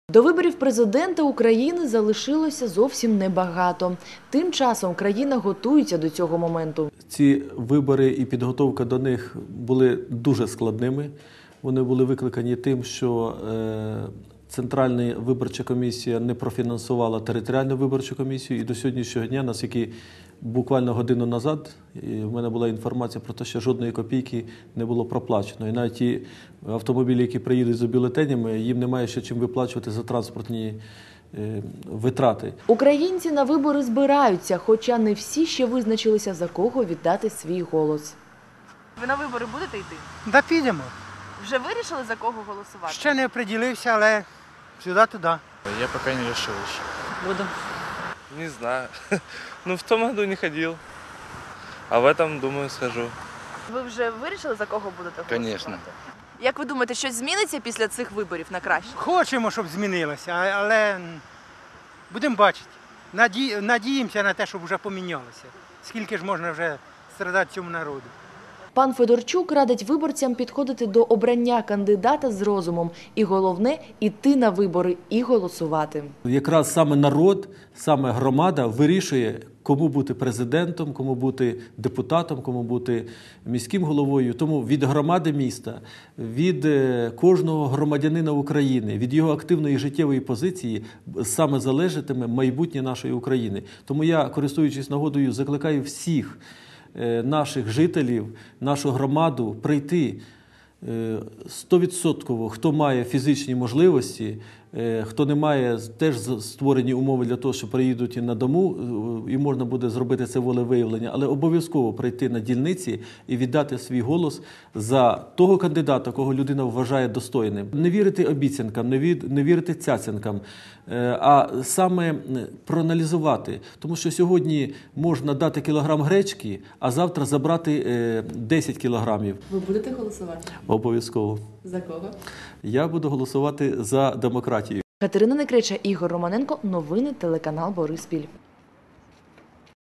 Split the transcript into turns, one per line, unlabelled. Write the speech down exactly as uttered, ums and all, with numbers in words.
До виборів президента України залишилося зовсім небагато. Тим часом країна готується до цього моменту.
Ці вибори і підготовка до них були дуже складними. Вони були викликані тим, що Центральна виборча комісія не профінансувала територіальну виборчу комісію. І до сьогоднішнього дня, наскільки буквально годину назад, в мене була інформація про те, що жодної копійки не було проплачено. І навіть ті автомобілі, які приїдуть з бюлетенями, їм немає ще чим виплачувати за транспортні витрати.
Українці на вибори збираються, хоча не всі ще визначилися, за кого віддати свій голос.
Ви на вибори будете йти?
Да, підемо.
Вже вирішили, за кого голосувати?
Ще не определився, але сюди-туди.
Я пока не решил еще.
Буду.
Не знаю. Ну, в том году не ходил. А в этом, думаю, схожу.
Ви вже вирішили, за кого будете голосувати?
Конечно.
Як ви думаєте, щось зміниться після цих виборів на краще?
Хочемо, щоб змінилося, але будемо бачити. Наді... Надіємося на те, щоб вже помінялося. Скільки ж можна вже страдати цьому народу.
Пан Федорчук радить виборцям підходити до обрання кандидата з розумом. І головне – іти на вибори і голосувати.
Якраз саме народ, саме громада вирішує, кому бути президентом, кому бути депутатом, кому бути міським головою. Тому від громади міста, від кожного громадянина України, від його активної життєвої позиції саме залежатиме майбутнє нашої України. Тому я, користуючись нагодою, закликаю всіх наших жителів, нашу громаду прийти стовідсотково, хто має фізичні можливості, хто не має, теж створені умови для того, що приїдуть на дому, і можна буде зробити це волевиявлення, але обов'язково прийти на дільниці і віддати свій голос за того кандидата, кого людина вважає достойним. Не вірити обіцянкам, не, від, не вірити цяцянкам, а саме проаналізувати. Тому що сьогодні можна дати кілограм гречки, а завтра забрати десять кілограмів.
Ви будете голосувати?
Обов'язково.
За кого?
Я буду голосувати за демократію.
Катерина Некреча, Ігор Романенко. Новини телеканал Бориспіль.